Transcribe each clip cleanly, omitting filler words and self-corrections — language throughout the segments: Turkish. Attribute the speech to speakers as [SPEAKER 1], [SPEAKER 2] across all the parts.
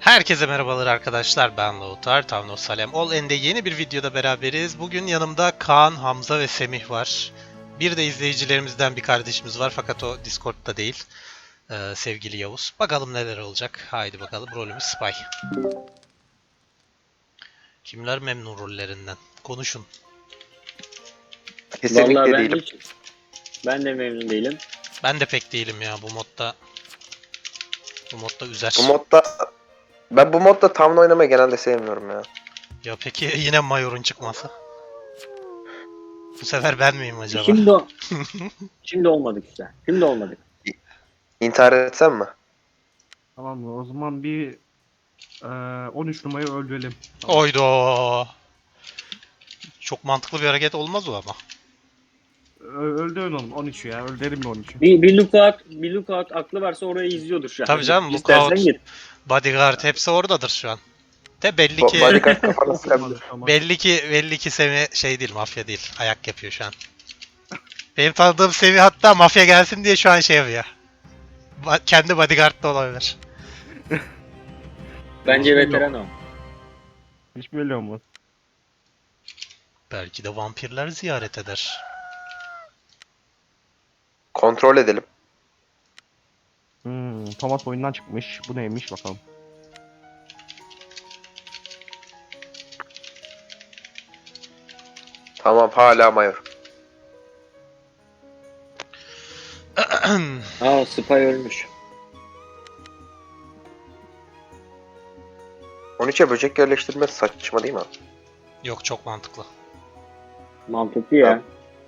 [SPEAKER 1] Herkese merhabalar arkadaşlar, ben Lautar, Town of Salem All End'de yeni bir videoda beraberiz. Bugün yanımda Kaan, Hamza ve Semih var. Bir de izleyicilerimizden bir kardeşimiz var fakat o Discord'da değil. Sevgili Yavuz. Bakalım neler olacak. Haydi bakalım, rolümüz Spy. Kimler memnun rollerinden? Konuşun.
[SPEAKER 2] Kesinlikle
[SPEAKER 3] Vallahi
[SPEAKER 2] değilim.
[SPEAKER 3] ben de memnun değilim.
[SPEAKER 1] Ben de pek değilim ya bu modda. Bu modda üzer.
[SPEAKER 2] Bu modda Town oynamayı genelde sevmiyorum ya.
[SPEAKER 1] Ya peki yine Mayor'un çıkması? Bu sefer ben miyim acaba?
[SPEAKER 3] Şimdi olmadık işte. Şimdi olmadık.
[SPEAKER 2] İntihar etsem mi?
[SPEAKER 4] Tamam mı? O zaman bir 13 numarayı öldürelim. Tamam.
[SPEAKER 1] Oydo. Çok mantıklı bir hareket olmaz o ama.
[SPEAKER 4] Öldürün onu 13'ü ya. Öldürelim 13'ü.
[SPEAKER 3] Bir lookout aklı varsa orayı izliyordur şu an.
[SPEAKER 1] Tabii canım,
[SPEAKER 3] İstersen
[SPEAKER 1] lookout,
[SPEAKER 3] git.
[SPEAKER 1] bodyguard hepsi oradadır şu an. De belli ki
[SPEAKER 2] Bodyguard kafana sıkabilir.
[SPEAKER 4] Tamam.
[SPEAKER 1] belli ki Semih şey değil, mafya değil. Ayak yapıyor şu an. Benim tanıdığım Semih hatta mafya gelsin diye şu an şey yapıyor. Kendi bodyguard da olabilir.
[SPEAKER 3] Bence veteran o.
[SPEAKER 4] Hiç belli olmaz.
[SPEAKER 1] Belki de vampirler ziyaret eder.
[SPEAKER 2] Kontrol edelim.
[SPEAKER 4] Thomas oyundan çıkmış. Bu neymiş bakalım.
[SPEAKER 2] Tamam, hala Mayor.
[SPEAKER 3] Aa, Spy ölmüş.
[SPEAKER 2] 13'e böcek yerleştirmesi saçma değil mi?
[SPEAKER 1] Yok, çok mantıklı.
[SPEAKER 3] Mantıklı ya.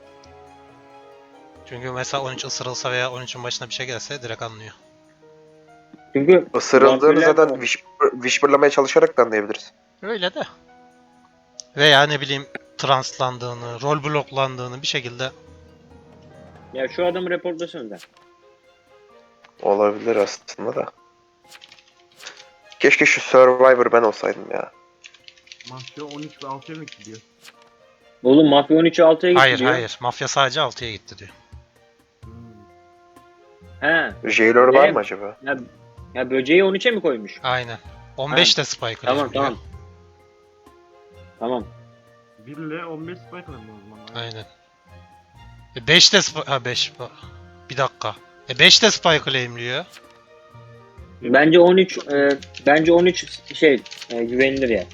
[SPEAKER 1] Çünkü mesela 13 ısırılsa veya 13'ün başına bir şey gelse direkt anlıyor.
[SPEAKER 3] Çünkü
[SPEAKER 2] Isırıldığını
[SPEAKER 3] vampirler-
[SPEAKER 2] zaten whisperlamaya çalışarak da anlayabiliriz.
[SPEAKER 1] Öyle de. Veya ne bileyim translandığını, rol bloklandığını bir şekilde.
[SPEAKER 3] Ya şu adamı reportlasana.
[SPEAKER 2] Olabilir aslında da. Keşke şu Survivor ben olsaydım ya.
[SPEAKER 4] Mafya 13 ve 6'ya mı gidiyor?
[SPEAKER 3] Oğlum Mafya 13'ü 6'ya gitti
[SPEAKER 1] Hayır
[SPEAKER 3] diyor.
[SPEAKER 1] hayır, mafya sadece 6'ya gitti diyor.
[SPEAKER 3] He.
[SPEAKER 2] Jailer var
[SPEAKER 3] Benim-
[SPEAKER 2] mı acaba?
[SPEAKER 3] Ya böceği 13'e mi koymuş?
[SPEAKER 1] Aynen. 15 de Spike
[SPEAKER 3] Tamam
[SPEAKER 1] diyor.
[SPEAKER 3] tamam. Tamam.
[SPEAKER 4] 1 ile 15 spike alalım o zaman.
[SPEAKER 1] Aynen. 5 de Spike... Ha 5... Bir dakika. 5 de Spike claimliyor.
[SPEAKER 3] Bence 13 güvenilir ya.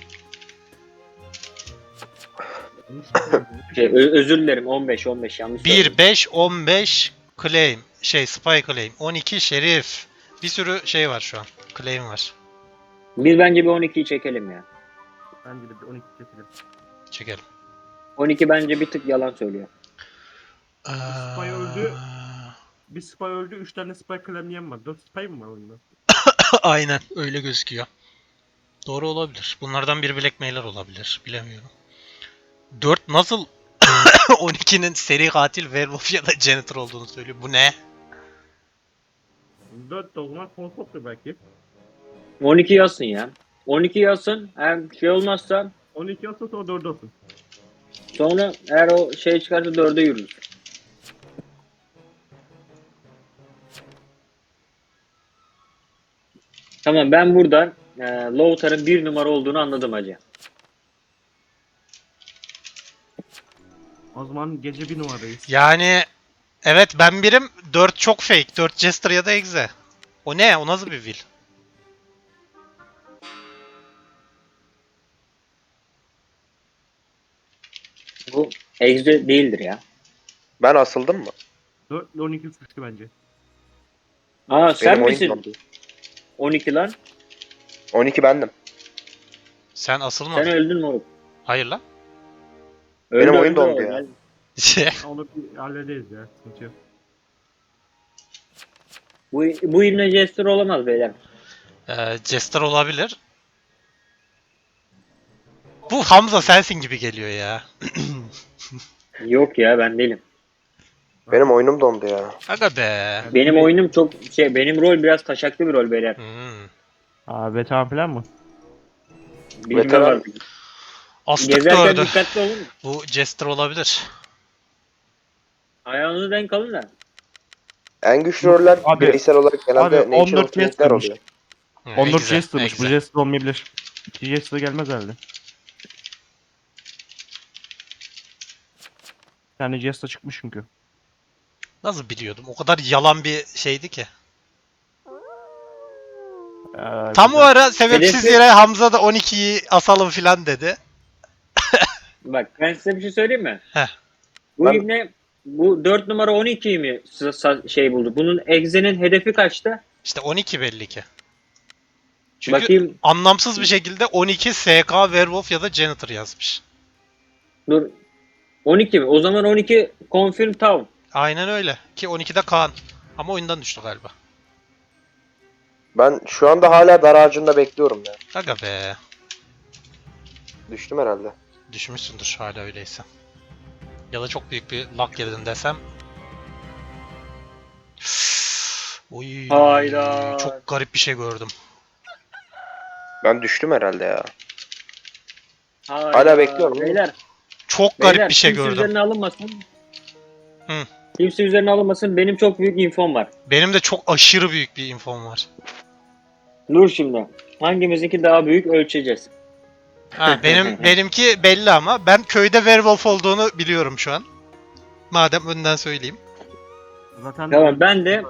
[SPEAKER 3] Özür dilerim 15 yanlış
[SPEAKER 1] 1,
[SPEAKER 3] söyledim.
[SPEAKER 1] 5, 15 claim. Spy claim. 12 şerif. Bir sürü şey var şu an. Claim var.
[SPEAKER 3] Biz bence bir 12'yi çekelim ya.
[SPEAKER 4] Bence de bir 12 keselim.
[SPEAKER 1] Çekelim.
[SPEAKER 3] 12 bence bir tık yalan söylüyor.
[SPEAKER 4] Spy öldü. Bir spy öldü. 3 tane spy klemleyen var. 4 spy mı var oyunda?
[SPEAKER 1] Aynen öyle gözüküyor. Doğru olabilir. Bunlardan biri Blackmailer olabilir. Bilemiyorum. 4 nasıl 12'nin seri katil werewolf ya da janitor olduğunu söylüyor. Bu ne?
[SPEAKER 4] 4 de o zaman konsoptur belki.
[SPEAKER 3] 12 yazsın ya. 12 yazsın. Eğer şey olmazsa
[SPEAKER 4] 12 olsa sonra 4 olsun.
[SPEAKER 3] sonra eğer o şey çıkarsa 4'e yürürüz. Tamam ben buradan Lautar'ın 1 numara olduğunu anladım hacı.
[SPEAKER 4] O zaman gece 1 numaradayız.
[SPEAKER 1] Yani evet ben birim, 4 çok fake. 4 Jester ya da Exe. O ne? O nasıl bir will?
[SPEAKER 3] Bu Exe değildir ya.
[SPEAKER 2] Ben asıldım mı?
[SPEAKER 4] 4 ile 12 suçlu bence.
[SPEAKER 3] Aa sen
[SPEAKER 2] Benim oyun
[SPEAKER 3] misin?
[SPEAKER 2] dondu.
[SPEAKER 3] 12 lan.
[SPEAKER 2] 12 bendim.
[SPEAKER 1] Sen asılmadın.
[SPEAKER 3] Sen öldün moruk.
[SPEAKER 1] Hayır lan.
[SPEAKER 2] Benim oyun
[SPEAKER 3] öldü
[SPEAKER 2] dondu
[SPEAKER 3] o.
[SPEAKER 2] ya.
[SPEAKER 4] Onu bir hallederiz ya. Sıkıntı yok.
[SPEAKER 3] Bu ilme Jester olamaz beyler.
[SPEAKER 1] Jester olabilir. Bu Hamza sensin gibi geliyor ya.
[SPEAKER 3] Yok ya ben değilim.
[SPEAKER 2] Benim oyunum dondu ya.
[SPEAKER 1] Aga be.
[SPEAKER 3] Benim oyunum çok benim rol biraz taşaklı bir rol beyler.
[SPEAKER 4] Veteran falan mı?
[SPEAKER 3] Bilmiyorum
[SPEAKER 2] Veteran-
[SPEAKER 3] artık.
[SPEAKER 1] Astık
[SPEAKER 3] Gezerken
[SPEAKER 1] gördü.
[SPEAKER 3] dikkatli olun.
[SPEAKER 1] Bu Jester olabilir.
[SPEAKER 3] Ayağınızı denk alın da.
[SPEAKER 2] En güçlü roller
[SPEAKER 4] Abi-
[SPEAKER 2] bireysel olarak genelde
[SPEAKER 4] abi,
[SPEAKER 2] Natural
[SPEAKER 4] 14
[SPEAKER 2] King'ler
[SPEAKER 4] Jester'mış.
[SPEAKER 2] oluyor.
[SPEAKER 1] Ne
[SPEAKER 5] Onur
[SPEAKER 1] güzel, ne
[SPEAKER 5] Jester'mış. Bu
[SPEAKER 1] güzel.
[SPEAKER 5] Jester olmayabilir. İki Jester gelmez herhalde. Bir tane Jester çıkmış çünkü.
[SPEAKER 1] Nasıl biliyordum? O kadar yalan bir şeydi ki. Tam o
[SPEAKER 5] Güzel.
[SPEAKER 1] ara sebepsiz
[SPEAKER 3] Hedefi-
[SPEAKER 1] yere Hamza da 12'yi asalım filan dedi.
[SPEAKER 3] Bak ben size bir şey söyleyeyim mi?
[SPEAKER 1] Heh.
[SPEAKER 3] Bu
[SPEAKER 2] Ben-
[SPEAKER 3] ibne bu 4 numara 12'yi mi şey buldu? Bunun Exe'nin hedefi kaçtı?
[SPEAKER 1] İşte 12 belli ki. Çünkü
[SPEAKER 3] Bakayım
[SPEAKER 1] anlamsız bir şekilde 12 SK, Werewolf ya da Janitor yazmış.
[SPEAKER 3] dur. 12 mi? O zaman 12 confirm town.
[SPEAKER 1] Aynen öyle. Ki 12'de Kaan. Ama oyundan düştü galiba.
[SPEAKER 2] Ben şu anda hala dar ağacında bekliyorum ya.
[SPEAKER 1] Aga be.
[SPEAKER 2] Düştüm herhalde.
[SPEAKER 1] Düşmüşsündür hala öyleyse. Ya da çok büyük bir lag girdin desem. Oy,
[SPEAKER 3] Hayda.
[SPEAKER 1] çok garip bir şey gördüm.
[SPEAKER 2] Ben düştüm herhalde ya.
[SPEAKER 3] Hayda.
[SPEAKER 2] bekliyorum.
[SPEAKER 3] Beyler,
[SPEAKER 1] Çok garip
[SPEAKER 3] beyler,
[SPEAKER 1] bir şey
[SPEAKER 3] kimse
[SPEAKER 1] gördüm.
[SPEAKER 3] üzerine alınmasın.
[SPEAKER 1] Hı.
[SPEAKER 3] Kimse üzerine alınmasın. Benim çok büyük infom var.
[SPEAKER 1] Benim de çok aşırı büyük bir infom var.
[SPEAKER 3] Dur şimdi. Hangimizinki daha büyük ölçeceğiz.
[SPEAKER 1] Ha, benimki belli ama ben köyde werewolf olduğunu biliyorum şu an. Madem önden söyleyeyim.
[SPEAKER 4] Zaten
[SPEAKER 3] Tamam, ben de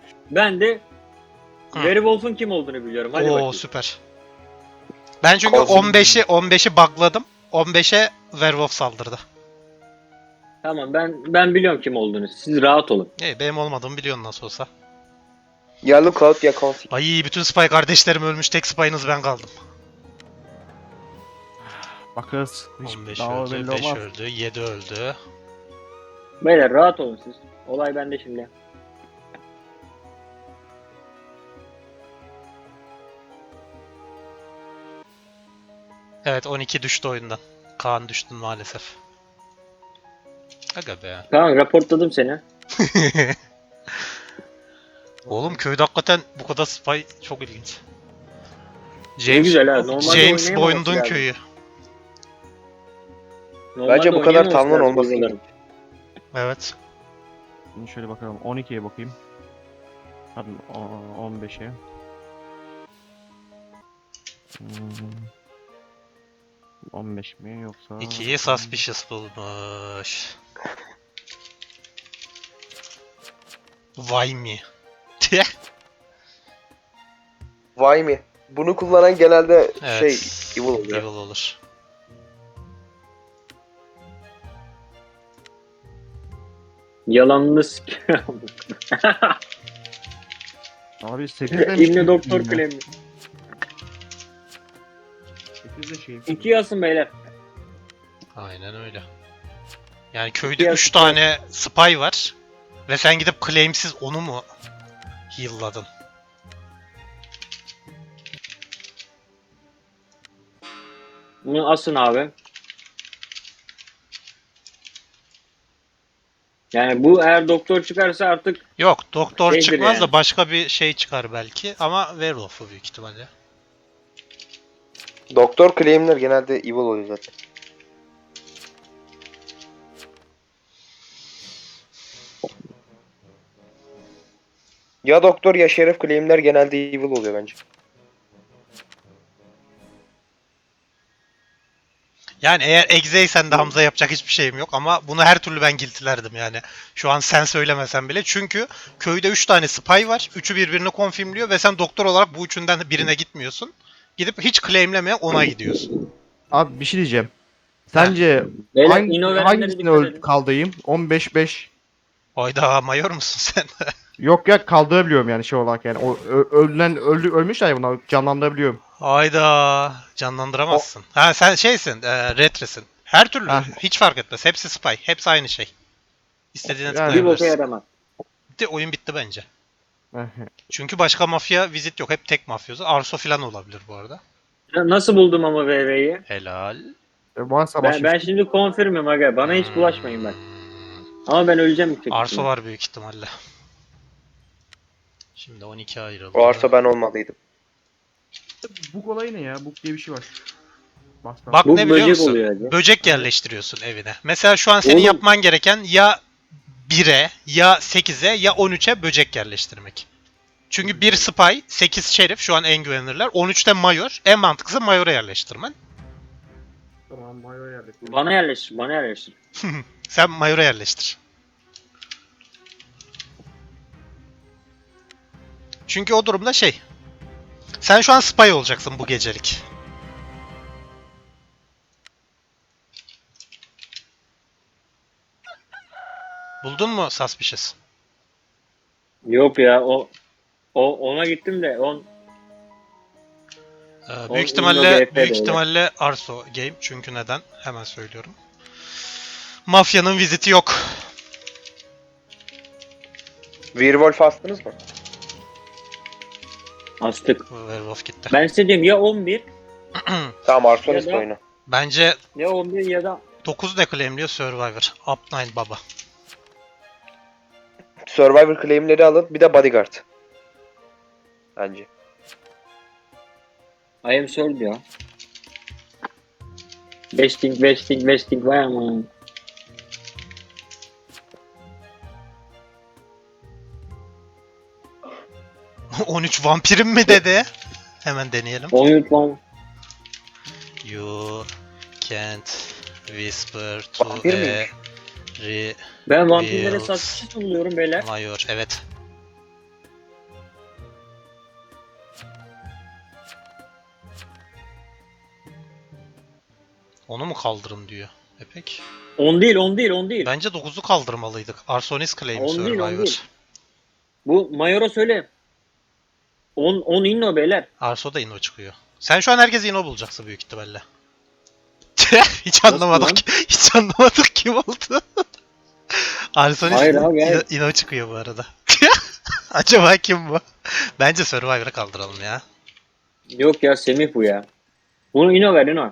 [SPEAKER 1] Hı.
[SPEAKER 3] Werewolf'un kim olduğunu biliyorum. Hadi
[SPEAKER 1] Oo
[SPEAKER 3] bakayım.
[SPEAKER 1] süper. Ben çünkü
[SPEAKER 2] Kozum.
[SPEAKER 1] 15'i bugladım. 15'e werewolf saldırdı.
[SPEAKER 3] Tamam, ben biliyorum kim olduğunu. Siz rahat olun.
[SPEAKER 1] Benim olmadığımı biliyorsun nasıl olsa.
[SPEAKER 2] Ya Lookout ya Config.
[SPEAKER 1] Ay bütün spy kardeşlerim ölmüş. Tek spy'ınız ben kaldım.
[SPEAKER 5] Bakarız. Hiç
[SPEAKER 1] 15
[SPEAKER 5] daha
[SPEAKER 1] öldü,
[SPEAKER 5] belli
[SPEAKER 1] 5
[SPEAKER 5] olmaz.
[SPEAKER 1] öldü, 7 öldü.
[SPEAKER 3] Beyler rahat olun siz. Olay bende şimdi.
[SPEAKER 1] Evet 12 düştü oyundan. Kaan düştün maalesef. Aga be.
[SPEAKER 3] Tamam, raportladım seni.
[SPEAKER 1] Oğlum köyde hakikaten bu kadar spy çok ilginç.
[SPEAKER 3] Ne güzel ha. Normalde
[SPEAKER 1] James
[SPEAKER 3] oynayamaması
[SPEAKER 1] Bond'un
[SPEAKER 3] lazım.
[SPEAKER 1] köyü.
[SPEAKER 3] Normalde
[SPEAKER 2] Bence bu kadar
[SPEAKER 3] oynayamaması
[SPEAKER 2] tamlın
[SPEAKER 3] lazım
[SPEAKER 2] olması
[SPEAKER 3] buraların.
[SPEAKER 2] gerekiyor.
[SPEAKER 1] Evet.
[SPEAKER 5] Şimdi şöyle bakalım. 12'ye bakayım. Pardon 15'e. Hmm. 15 mi yoksa?
[SPEAKER 1] 2'yi suspicious bulmuş. Vay mi?
[SPEAKER 2] Vay mi? Bunu kullanan genelde
[SPEAKER 1] Evet.
[SPEAKER 2] evil oluyor.
[SPEAKER 1] Evil olur.
[SPEAKER 3] Yalanlı
[SPEAKER 5] Abi 8 demiş.
[SPEAKER 3] İbni Doktor Klemi.
[SPEAKER 4] 8 de şey.
[SPEAKER 3] 2 yazsın beyler.
[SPEAKER 1] Aynen öyle. Yani köyde
[SPEAKER 3] Ya,
[SPEAKER 1] 3 tane spy var. Ve sen gidip claimsiz onu mu heal'ladın?
[SPEAKER 3] Bunu asın abi. Yani bu eğer doktor çıkarsa artık
[SPEAKER 1] Yok doktor
[SPEAKER 3] Şeydir
[SPEAKER 1] çıkmaz
[SPEAKER 3] yani.
[SPEAKER 1] da başka bir şey çıkar belki. Ama werewolf'u büyük ihtimalle.
[SPEAKER 2] Doktor claimler genelde evil oluyor zaten. Ya doktor ya şerif claimler genelde evil oluyor bence.
[SPEAKER 1] Yani eğer Exe'ysen de Hamza yapacak hiçbir şeyim yok ama bunu her türlü ben guilty'lerdim yani. Şu an sen söylemesen bile. Çünkü köyde 3 tane spy var. Üçü birbirini confirmliyor ve sen doktor olarak bu üçünden birine gitmiyorsun. Gidip hiç claimlemeye ona gidiyorsun.
[SPEAKER 5] Abi bir şey diyeceğim. Sence
[SPEAKER 3] beyler ino verenlere
[SPEAKER 5] hangisini
[SPEAKER 3] dikkat edin.
[SPEAKER 5] kaldırayım? 15-5.
[SPEAKER 1] Hayda mayor musun sen?
[SPEAKER 5] Yok ya kaldırabiliyorum yani şey olarak yani. O ölmüşler ya bunlar canlandırabiliyorum.
[SPEAKER 1] Hayda canlandıramazsın. Ha sen şeysin, retresin. Her türlü
[SPEAKER 5] Ha.
[SPEAKER 1] hiç fark etmez. Hepsi spy. Hepsi aynı şey. İstediğine
[SPEAKER 5] Yani-
[SPEAKER 3] Bir boka
[SPEAKER 1] tıklayabilirsin.
[SPEAKER 3] yaramaz.
[SPEAKER 1] Bitti, oyun bitti bence. Çünkü başka mafya vizit yok. Hep tek mafyozu. Arso falan olabilir bu arada.
[SPEAKER 3] Nasıl buldum ama VV'yi?
[SPEAKER 1] Helal.
[SPEAKER 5] Varsa
[SPEAKER 3] Ben şimdi confirm'im aga. Bana hiç bulaşmayın bak. Ama ben öleceğim yüksek
[SPEAKER 1] Arso
[SPEAKER 3] ihtimalle.
[SPEAKER 1] var büyük ihtimalle. Şimdi 12 ayrıldı.
[SPEAKER 2] O arsa ben olmalıydım.
[SPEAKER 4] Bug olayı ne ya? Bug diye bir şey var. Bas, bas.
[SPEAKER 1] Bak
[SPEAKER 3] Bu
[SPEAKER 1] ne biliyor
[SPEAKER 3] böcek
[SPEAKER 1] musun?
[SPEAKER 3] oluyor hadi.
[SPEAKER 1] Böcek yerleştiriyorsun evine. Mesela şu an senin
[SPEAKER 3] Oğlum.
[SPEAKER 1] yapman gereken ya 1'e, ya 8'e, ya 13'e böcek yerleştirmek. Çünkü 1 Spy, 8 Şerif şu an en güvenilirler. 13'te Mayor. En mantıklısı Mayor'a yerleştirmen.
[SPEAKER 4] Tamam Mayo yerleştir.
[SPEAKER 3] Bana yerleştir, bana yerleştir.
[SPEAKER 1] Sen Mayor'a yerleştir. Çünkü o durumda şey. Sen şu an Spy olacaksın bu gecelik. Buldun mu Suspicious?
[SPEAKER 3] Yok ya ona gittim de
[SPEAKER 1] Büyük
[SPEAKER 3] o
[SPEAKER 1] ihtimalle
[SPEAKER 3] Inno GP
[SPEAKER 1] büyük
[SPEAKER 3] de
[SPEAKER 1] ihtimalle Arso Game. Çünkü neden? Hemen söylüyorum. Mafyanın viziti yok.
[SPEAKER 2] Werewolf astınız mı?
[SPEAKER 3] astık.
[SPEAKER 1] Werewolf gitti.
[SPEAKER 3] Ben size diyorum ya 11
[SPEAKER 2] Tamam Arsonist
[SPEAKER 3] Ya da-
[SPEAKER 2] oyunu.
[SPEAKER 1] Bence
[SPEAKER 3] ya 11 ya da
[SPEAKER 1] 9 ne claimliyor Survivor. Up 9 baba.
[SPEAKER 2] Survivor claimleri alın bir de Bodyguard. Bence.
[SPEAKER 3] I am sold ya. Besting var ama.
[SPEAKER 1] 13 vampirim mi dedi? Hemen deneyelim.
[SPEAKER 3] 13 lan.
[SPEAKER 1] You can't whisper to
[SPEAKER 2] Vampir
[SPEAKER 1] a
[SPEAKER 2] miymiş?
[SPEAKER 3] Ben vampirlere
[SPEAKER 1] Bills.
[SPEAKER 3] saçsız buluyorum beyler.
[SPEAKER 1] Mayor. Evet. Onu mu kaldırın diyor. Peki.
[SPEAKER 3] 10 değil 10 değil 10 değil.
[SPEAKER 1] Bence 9'u kaldırmalıydık. Arsonis claim
[SPEAKER 3] On değil, on
[SPEAKER 1] Survivor.
[SPEAKER 3] değil. Bu Mayor'a söyle. 10 inno beyler.
[SPEAKER 1] Arso da Inno çıkıyor. Sen şu an herkes Inno bulacaksın büyük ihtimalle. Hiç
[SPEAKER 3] Nasıl
[SPEAKER 1] anlamadık.
[SPEAKER 3] lan?
[SPEAKER 1] Hiç anlamadık kim oldu. Arsonis
[SPEAKER 3] Hayır abi, hayır.
[SPEAKER 1] Inno çıkıyor bu arada. Acaba kim bu? Bence Survivor'a kaldıralım ya.
[SPEAKER 3] Yok ya Semih bu ya. Bunu inno ver inno.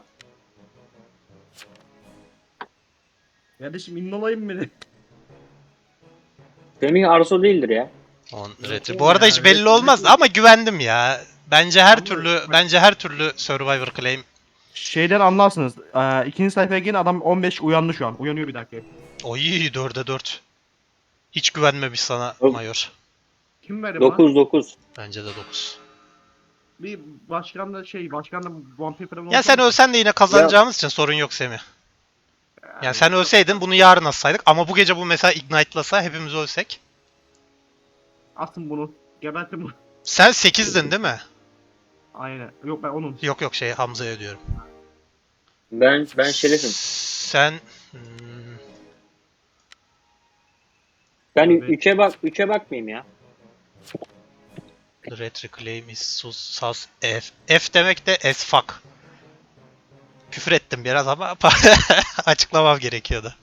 [SPEAKER 4] Kardeşim innolayım beni.
[SPEAKER 3] Semih Arso değildir ya.
[SPEAKER 1] On
[SPEAKER 4] Yok
[SPEAKER 1] retri.
[SPEAKER 4] oğlum
[SPEAKER 1] Bu arada
[SPEAKER 4] ya,
[SPEAKER 1] hiç belli
[SPEAKER 4] retri
[SPEAKER 1] olmaz
[SPEAKER 4] değil.
[SPEAKER 1] ama güvendim ya. Bence her
[SPEAKER 4] Ama
[SPEAKER 1] türlü
[SPEAKER 4] bak-
[SPEAKER 1] bence her türlü Survivor claim.
[SPEAKER 5] Şeyden anlarsınız. İkinci sayfaya gelin adam 15 uyandı şu an. Uyanıyor bir dakika.
[SPEAKER 1] Oy 4'e 4. Hiç güvenmemiş sana
[SPEAKER 3] Yok.
[SPEAKER 1] Mayor.
[SPEAKER 4] Kim verdi bana?
[SPEAKER 3] 9.
[SPEAKER 1] Bence de 9.
[SPEAKER 4] Bir başkan da vampir falan
[SPEAKER 1] Ya sen
[SPEAKER 4] olsaydı-
[SPEAKER 1] ölsen de yine kazanacağımız için sorun yok Semih. Yani sen ölseydin bunu yarın atsaydık ama bu gece bu mesela ignite'lasa hepimiz ölsek.
[SPEAKER 4] Atın bunu. Gebertin bunu.
[SPEAKER 1] Sen 8'din değil mi?
[SPEAKER 4] Aynen. Yok ben onun.
[SPEAKER 1] Yok yok şey Hamza'ya diyorum.
[SPEAKER 3] Ben şerefim.
[SPEAKER 1] Sen
[SPEAKER 3] Ben
[SPEAKER 4] Evet.
[SPEAKER 3] 3'e bakmayayım ya.
[SPEAKER 1] The retri claim is sus F. F demek de as fuck. Küfür ettim biraz ama açıklamam gerekiyordu.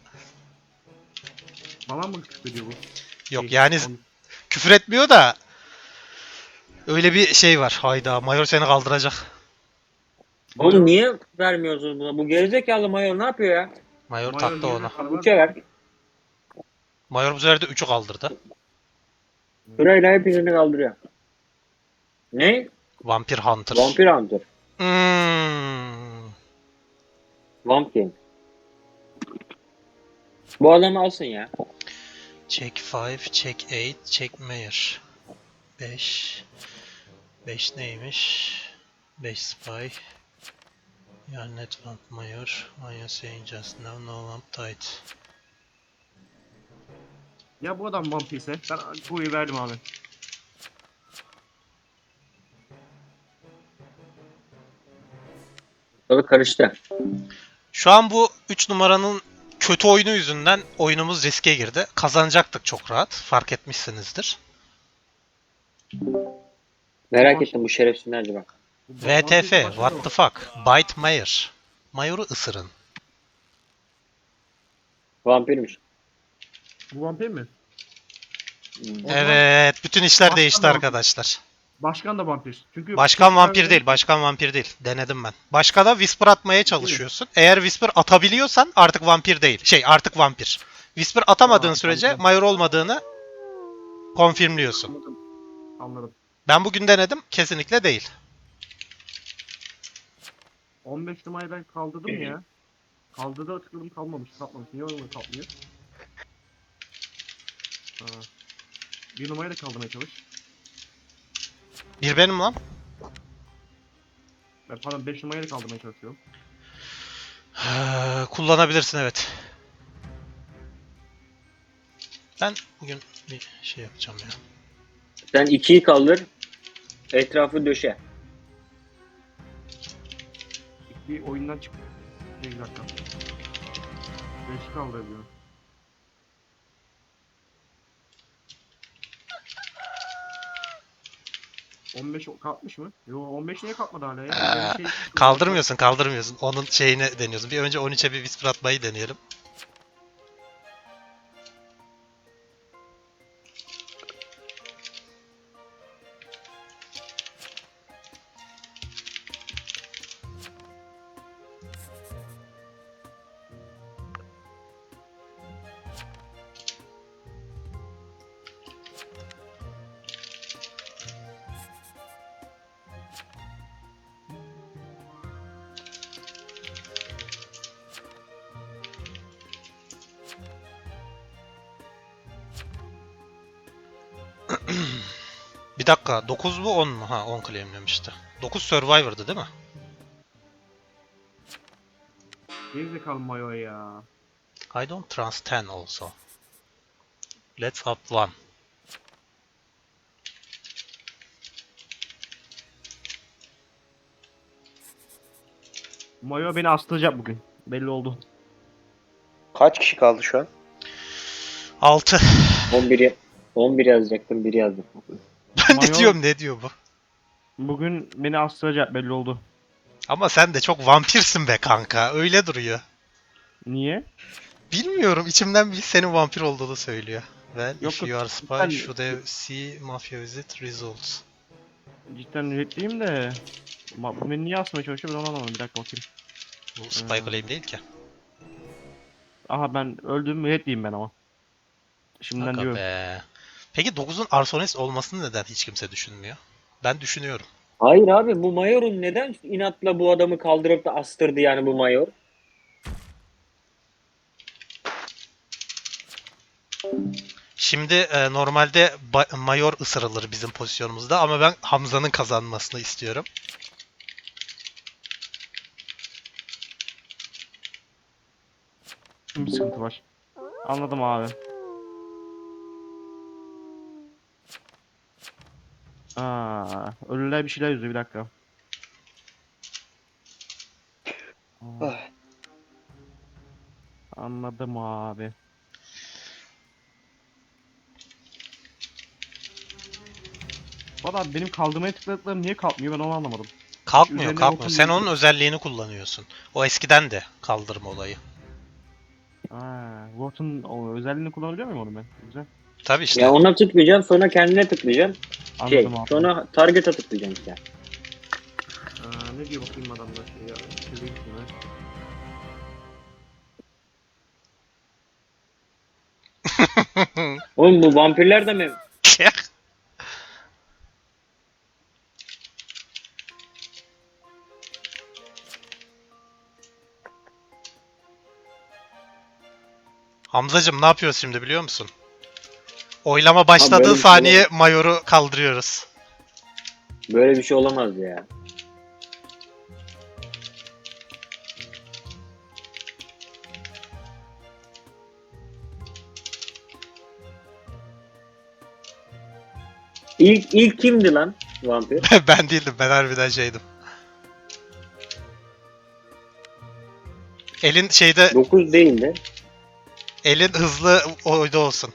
[SPEAKER 4] Bana mı küfrediyor bu?
[SPEAKER 1] Yok yani küfür etmiyor da öyle bir şey var. Hayda Mayor seni kaldıracak.
[SPEAKER 3] Oğlum niye vermiyorsunuz buna? Bu gerizekalı Mayor ne yapıyor ya?
[SPEAKER 1] Mayor taktı onu.
[SPEAKER 3] 3'e ver.
[SPEAKER 1] Mayor bu sefer de 3'ü kaldırdı.
[SPEAKER 3] Sırayla hepsini kaldırıyor. Ne?
[SPEAKER 1] Vampir Hunter.
[SPEAKER 3] Vampir Hunter.
[SPEAKER 1] Hmm.
[SPEAKER 3] Vamp King. Bu adamı alsın ya.
[SPEAKER 1] Check 5, check 8, check Mayor. 5. 5 neymiş? 5 spy. Yani net vamp Mayor. Maya saying just now no vamp tight.
[SPEAKER 4] Ya bu adam vampirse ben kuyu verdim abi.
[SPEAKER 3] Tabii karıştı.
[SPEAKER 1] Şu an bu 3 numaranın kötü oyunu yüzünden oyunumuz riske girdi. Kazanacaktık çok rahat. Fark etmişsinizdir.
[SPEAKER 3] Merak ettim bu şerefsiz nerede bak.
[SPEAKER 4] Bu
[SPEAKER 1] VTF,
[SPEAKER 4] vampir başka
[SPEAKER 1] what
[SPEAKER 4] da
[SPEAKER 1] the
[SPEAKER 4] var.
[SPEAKER 1] fuck? Bite Mayor. Mayor'u ısırın.
[SPEAKER 3] Vampirmiş.
[SPEAKER 4] Bu vampir mi? O zaman
[SPEAKER 1] Evet, bütün işler
[SPEAKER 4] Başkan
[SPEAKER 1] değişti
[SPEAKER 4] da vampir.
[SPEAKER 1] arkadaşlar.
[SPEAKER 4] Başkan da vampir. Çünkü
[SPEAKER 1] Başkan vampir değil, başkan vampir değil. Denedim ben. Başkana whisper atmaya çalışıyorsun. Eğer whisper atabiliyorsan artık vampir değil. Artık vampir. Whisper atamadığın
[SPEAKER 4] Aa,
[SPEAKER 1] sürece
[SPEAKER 4] tamam.
[SPEAKER 1] Mayor olmadığını konfirmliyorsun.
[SPEAKER 4] Anladım. Anladım.
[SPEAKER 1] Ben bugün denedim, kesinlikle değil.
[SPEAKER 4] 15 numarayı ben kaldırdım ya. Kaldırdı tıkladım kalmamış. Niye öyle kalmıyor? Ha. Bir numarayı da kaldırmaya çalış.
[SPEAKER 1] Bir benim lan.
[SPEAKER 4] Ben pardon 5 numarayı kaldırmaya çalışıyorum.
[SPEAKER 1] Kullanabilirsin evet. Ben bugün bir şey yapacağım ya.
[SPEAKER 3] Sen 2'yi kaldır. Etrafı döşe.
[SPEAKER 4] Bir oyundan çık. Bir dakika. 5 kaldırıyor. 15 kalkmış mı? Yo 15 niye kalkmadı hala ya? Bir şey...
[SPEAKER 1] Kaldırmıyorsun. Onun şeyini deniyorsun. Bir önce 13'e bir whisper atmayı deneyelim. Bir dakika 9 mu 10 mu? Ha 10 claimlemişti. 9 Survivor'dı değil mi?
[SPEAKER 4] Gerizekalı mayo ya.
[SPEAKER 1] I don't trust 10 also. Let's up 1.
[SPEAKER 5] Mayo beni astıracak bugün. Belli oldu.
[SPEAKER 2] Kaç kişi kaldı şu an?
[SPEAKER 1] 6.
[SPEAKER 3] 11 yazacaktım, 1 yazdım.
[SPEAKER 1] Ben
[SPEAKER 5] Mayo-
[SPEAKER 1] ne diyorum ne diyor bu?
[SPEAKER 5] Bugün beni astıracak belli oldu.
[SPEAKER 1] Ama sen de çok vampirsin be kanka. Öyle duruyor.
[SPEAKER 5] Niye?
[SPEAKER 1] Bilmiyorum içimden bir senin vampir olduğunu söylüyor. Well,
[SPEAKER 5] Yok,
[SPEAKER 1] if
[SPEAKER 5] yok,
[SPEAKER 1] you are spy,
[SPEAKER 5] cidden-
[SPEAKER 1] should have see mafia visit results.
[SPEAKER 5] Cidden üretliyim de. Bu beni niye asmaya çalışıyor ben onu anlamadım. Bir dakika bakayım.
[SPEAKER 1] Bu spy claim değil ki.
[SPEAKER 5] Aha ben öldüm müretliyim ben ama. Şimdiden
[SPEAKER 1] Aga
[SPEAKER 5] diyorum.
[SPEAKER 1] be. Peki 9'un arsonist olmasını neden hiç kimse düşünmüyor? Ben düşünüyorum.
[SPEAKER 3] Hayır abi, bu mayorun neden inatla bu adamı kaldırıp da astırdı yani bu mayor?
[SPEAKER 1] Şimdi normalde mayor ısırılır bizim pozisyonumuzda ama ben Hamza'nın kazanmasını istiyorum.
[SPEAKER 5] Şimdi bir sıkıntı var. Anladım abi. Ölüler bir şeyler yüzüyor bir dakika. Aa,
[SPEAKER 2] Ah.
[SPEAKER 5] anladım abi. Valla benim kaldırmaya tıkladıklarım niye kalkmıyor ben onu anlamadım.
[SPEAKER 1] Kalkmıyor,
[SPEAKER 5] Üzerine
[SPEAKER 1] kalkmıyor.
[SPEAKER 5] bakın
[SPEAKER 1] Sen
[SPEAKER 5] diye-
[SPEAKER 1] onun özelliğini kullanıyorsun. O eskiden de kaldırma olayı.
[SPEAKER 5] Wharton o özelliğini kullanabiliyor muyum onu ben? Güzel.
[SPEAKER 1] Tabii işte.
[SPEAKER 3] Ya ona tıklayacaksın, sonra kendine tıklayacaksın.
[SPEAKER 5] Anladım abi.
[SPEAKER 3] Sonra target'a tıklayacaksın işte.
[SPEAKER 4] Ne diyor bakayım adamlar ya. Çizeyim şunu.
[SPEAKER 3] Oğlum bu vampirler de mi?
[SPEAKER 1] Hamzacım ne yapıyoruz şimdi biliyor musun? Oylama başladığı
[SPEAKER 3] böyle bir şey
[SPEAKER 1] saniye
[SPEAKER 3] olamaz.
[SPEAKER 1] mayoru kaldırıyoruz.
[SPEAKER 3] Böyle bir şey olamaz ya. İlk kimdi lan vampir?
[SPEAKER 1] Ben değildim, ben harbiden şeydim. Elin şeyde,
[SPEAKER 3] 9 değildi.
[SPEAKER 1] elin hızlı oyda olsun.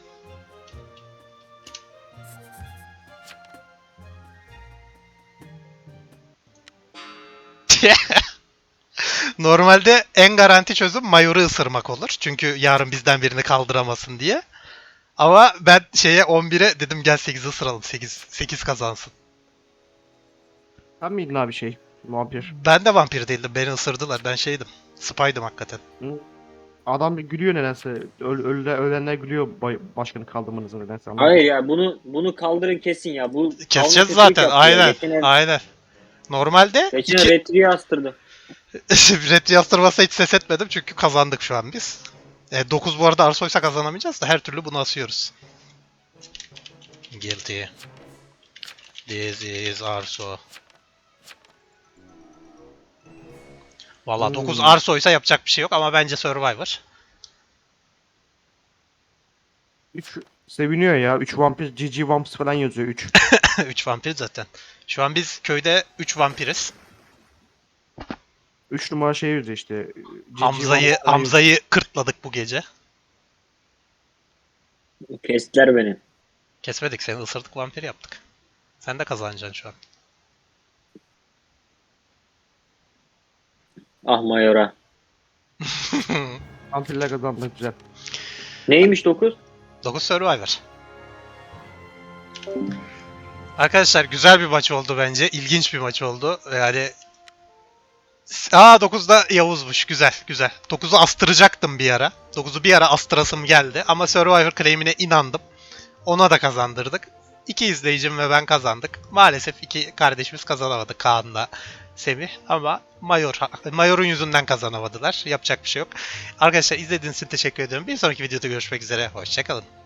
[SPEAKER 1] Normalde en garanti çözüm mayoru ısırmak olur. Çünkü yarın bizden birini kaldıramasın diye. Ama ben şeye 11'e dedim gel 8'i ısıralım. 8 kazansın.
[SPEAKER 5] Sen miydin abi şey? Vampir.
[SPEAKER 1] Ben de vampir değildim. Beni ısırdılar. Ben şeydim. Spy'dım hakikaten.
[SPEAKER 5] Adam bir gülüyor nedense. Ölenler gülüyor başkanı kaldırmanızı nedense. Anlamadım.
[SPEAKER 3] Hayır ya, bunu kaldırın kesin ya. Bu
[SPEAKER 1] Keseceğiz
[SPEAKER 3] Avni kötülük
[SPEAKER 1] zaten.
[SPEAKER 3] yaptı ya.
[SPEAKER 1] Aynen.
[SPEAKER 3] Geçen,
[SPEAKER 1] Aynen. Normalde
[SPEAKER 3] geçen retriye astırdı.
[SPEAKER 1] Red yastırmasa hiç ses etmedim çünkü kazandık şu an biz. 9 bu arada Arsoysa kazanamayacağız da her türlü bunu asıyoruz. Guilty. This is Arso. Valla 9 Arso'ysa yapacak bir şey yok ama bence Survivor.
[SPEAKER 5] 3 seviniyor ya. 3 vampir, GG Vamps falan yazıyor 3.
[SPEAKER 1] 3 vampir zaten. Şu an biz köyde 3 vampiriz.
[SPEAKER 5] 3 numara şey yazıyor işte. GG
[SPEAKER 1] Hamza'yı
[SPEAKER 5] Vamps falan
[SPEAKER 1] Hamza'yı kırtladık bu gece.
[SPEAKER 3] Kestiler beni.
[SPEAKER 1] Kesmedik seni, ısırdık, vampir yaptık. Sen de kazanacaksın şu an.
[SPEAKER 3] Ah Mayora.
[SPEAKER 5] yazıyor. Vampirler kazandı güzel.
[SPEAKER 3] Neymiş 9?
[SPEAKER 1] 9 Survivor. Arkadaşlar güzel bir maç oldu bence. İlginç bir maç oldu. Yani 9'da Yavuz'muş. Güzel, güzel. 9'u astıracaktım bir ara. 9'u bir ara astırasım geldi ama Survivor claim'ine inandım. Ona da kazandırdık. 2 izleyicim ve ben kazandık. Maalesef 2 kardeşimiz kazanamadı, Kaan'la Semih, ama Mayor'un yüzünden kazanamadılar. Yapacak bir şey yok. Arkadaşlar izlediğiniz için teşekkür ediyorum. Bir sonraki videoda görüşmek üzere. Hoşçakalın.